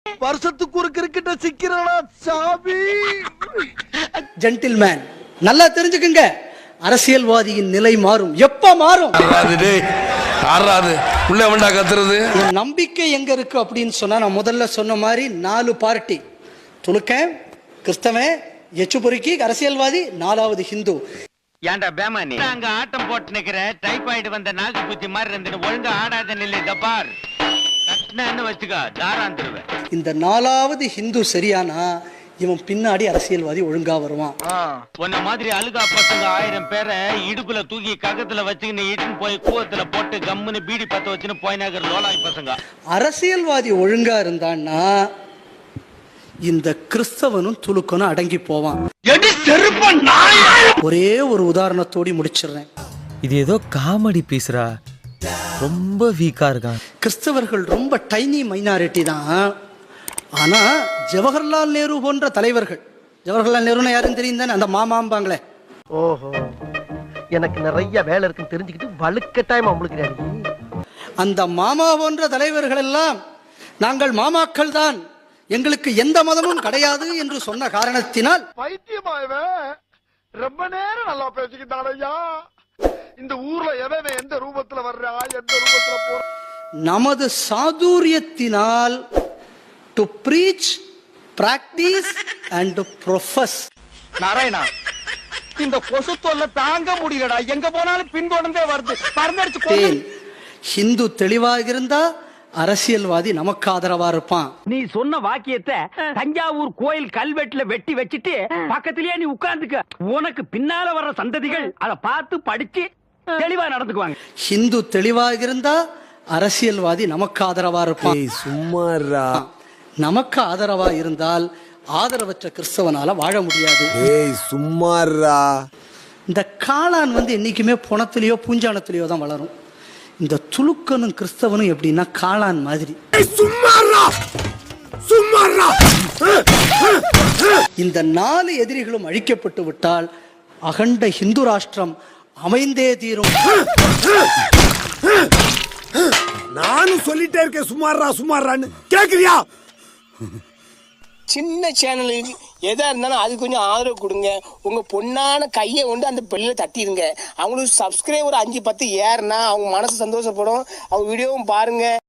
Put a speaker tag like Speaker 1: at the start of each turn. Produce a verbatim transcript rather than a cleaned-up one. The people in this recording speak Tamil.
Speaker 1: வருஷத்துக்கு ஒரு கிரிக்கெட்ட சிக்கிறானா சாமி.
Speaker 2: ஜென்டில்மேன், நல்லா தெரிஞ்சுக்குங்க, அரசியல்வாதியின் நிலை மாறும். எப்ப மாறும்? நம்பிக்கை எங்க இருக்கு அப்படின்னு சொன்னா, நான் முதல்ல சொன்ன மாதிரி நாலு பார்ட்டி: துலுக்கன், கிறிஸ்தவன், எச்சு பொறுக்கி அரசியல்வாதி, நாலாவது ஹிந்து.
Speaker 3: ஏண்டா பேமானி, அங்க ஆட்டம் போட்டு நிக்கிற டைபாய்டு வந்த நாக்கு பூச்சி மாதிரி இருந்துட்டு ஒழுங்கா ஆடாத நில்லு. தப்பார் கட்டினு வச்சுக்கா, தாராந்துருவேன். இந்த
Speaker 2: நாலாவது ஹிந்து சரியானா இவன் பின்னாடி அரசியல்வாதி ஒழுங்கா வருவான்.
Speaker 3: உன்ன மாதிரி அழுகா பசங்க ஆயிரம் பேரை இடுப்புல தூக்கி ககத்துல வச்சுக்கின்னு இட்டுன்னு போய் கூவத்துல போட்டு கம்முன்னு பீடி பத்த வச்சுன்னு போயினாக்கிற லோலாய் பசங்க.
Speaker 2: அரசியல்வாதி ஒழுங்கா இருந்தான்னா இந்த கிறிஸ்தவனும் துலுக்கனும் அடங்கி போவான். ஒரே ஒரு உதாரணத்தோடி முடிச்சிடுறேன்.
Speaker 4: இது ஏதோ காமெடி பீஸ்ரா, ரொம்ப வீக்கா இருக்கான்.
Speaker 2: கிறிஸ்தவர்கள் ரொம்ப டைனி மைனாரிட்டி தான். ஆனா ஜவஹர்லால் நேரு போன்ற தலைவர்கள், ஜவஹர்லால் நேருன்னு யாருன்னு தெரியும் தானே, அந்த மாமாம்பாங்களே.
Speaker 1: ஓஹோ, எனக்கு நிறைய வேலை இருக்குன்னு தெரிஞ்சுக்கிட்டு வலுக்கட்டாயமா முழுக்கிறாரு.
Speaker 2: அந்த மாமா போன்ற தலைவர்கள் எல்லாம் நாங்கள் மாமாக்கள் தான், எங்களுக்கு எந்த மதமும் கிடையாது என்று சொன்ன காரணத்தினால்
Speaker 1: பைத்தியமாயவே ரொம்ப நேரம் நல்லா பேசிக்கிட்டான் ஐயா. இந்த ஊர்ல எவன் எந்த ரூபத்துல வர்றா, எந்த ரூபத்துல போற,
Speaker 2: நமது சாதுரியத்தினால் to preach, practise and profess.
Speaker 1: Narayana, இந்த கொசு தொல்லை தாங்க முடியலடா. எங்க போனாலும் பின்தொடர்ந்தே வருது. பறந்தடிச்சு
Speaker 2: ஹிந்து தெளிவாக இருந்தா அரசியல்வாதி நமக்கு ஆதரவா இருப்பான்.
Speaker 3: நீ சொன்ன வாக்கியத்தை தஞ்சாவூர் கோயில் கல்வெட்டுல வெட்டி வச்சிட்டு பக்கத்திலேயே நீ உட்கார்ந்துக்க. உனக்கு பின்னால வர்ற சந்ததிகள் அதை பார்த்து படிச்சு தெளிவா நடந்துக்குவாங்க.
Speaker 2: ஹிந்து தெளிவாக இருந்தா அரசியல்வாதி நமக்கு ஆதரவா இருப்பான்.
Speaker 5: சும்மாரா,
Speaker 2: நமக்கு ஆதரவா இருந்தால் ஆதரவற்ற கிறிஸ்தவனால வாழ முடியாது.
Speaker 5: சும்மாரா.
Speaker 2: இந்த காளான் வந்து என்னைக்குமே புணத்திலேயோ பூஞ்சானத்திலேயோ தான் வளரும். இந்த துலுக்கனும் கிறிஸ்தவனும் எப்படின்னா காளான் மாதிரி. இந்த நாலு எதிரிகளும் அழிக்கப்பட்டு விட்டால் அகண்ட ஹிந்து ராஷ்டிரம் அமைந்தே தீரும்.
Speaker 5: நானும் சொல்லிட்டே இருக்கேன் சுமாரா சுமாரான்னு, கேக்குறியா?
Speaker 6: சின்ன சேனலுக்கு எதா இருந்தாலும் அது கொஞ்சம் ஆதரவு கொடுங்க. உங்க பொண்ணான கையை கொண்டு அந்த பெல்ல தட்டிடுங்க. அவங்களுக்கு சப்ஸ்கிரைபர் அஞ்சு பத்து ஏறுனா அவங்க மனசு சந்தோஷப்படும். அவங்க வீடியோவும் பாருங்க.